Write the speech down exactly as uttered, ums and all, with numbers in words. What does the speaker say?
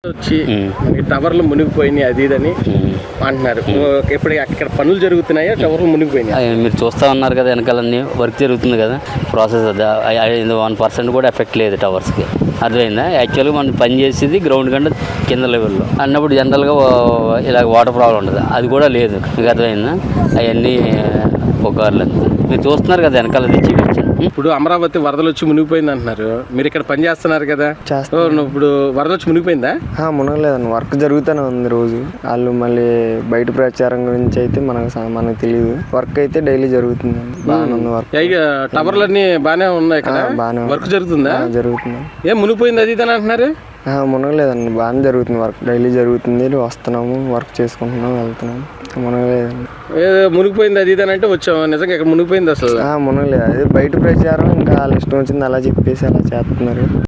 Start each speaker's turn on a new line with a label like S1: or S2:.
S1: వచ్చి ఈ టవర్లు మునిగిపోయినాయి అది ఇదని అంటున్నారు. ఇప్పుడు అక్కడ పనులు జరుగుతున్నాయా, టవర్లు మునిగిపోయినాయి?
S2: మీరు చూస్తూ ఉన్నారు కదా, వెనకాలన్నీ వర్క్ జరుగుతుంది కదా, ప్రాసెస్ అది వన్ పర్సెంట్ కూడా ఎఫెక్ట్ లేదు టవర్స్కి. అర్థమైందా? యాక్చువల్గా మనం పని చేసేది గ్రౌండ్ కంటే కింద లెవెల్లో అన్నప్పుడు జనరల్గా ఇలా వాటర్ ప్రాబ్లం ఉండదు, అది కూడా లేదు. మీకు అర్థమైందా? అవన్నీ పొగార్లు అంతా మీరు చూస్తున్నారు కదా వెనకాల తెచ్చి.
S1: ఇప్పుడు అమరావతి వరదలు వచ్చి మునిగిపోయింది అంటున్నారు, మీరు ఇక్కడ పని చేస్తున్నారు కదా, ఇప్పుడు వరద వచ్చి మునిగిపోయిందా?
S3: మునగలేదండి, వర్క్ జరుగుతూనే ఉంది రోజు. వాళ్ళు మళ్ళీ బయట ప్రచారం గురించి అయితే మనకు మనకు తెలియదు. వర్క్ అయితే డైలీ జరుగుతుంది, బాగానే ఉంది వర్క్.
S1: టవర్లు అన్ని బాగానే ఉన్నాయి కదా, బాగానే వర్క్ జరుగుతుందా?
S3: జరుగుతుంది.
S1: ఏం మునిగిపోయింది అది ఇదని అంటున్నారు?
S3: మునగలేదండి, బాగానే జరుగుతుంది వర్క్, డైలీ జరుగుతుంది. వస్తున్నాము, వర్క్ చేసుకుంటున్నాం, వెళ్తున్నాము. మునగలేదండి.
S1: ఏదో మునిగిపోయింది అది ఇదని అంటే వచ్చాము, నిజంగా ఇక్కడ మునిగిపోయింది అసలు?
S3: మునగలేదు, అదే బయట ప్రచారం, ఇంకా వాళ్ళ ఇష్టం వచ్చింది అలా చెప్పేసి అలా చేస్తున్నారు.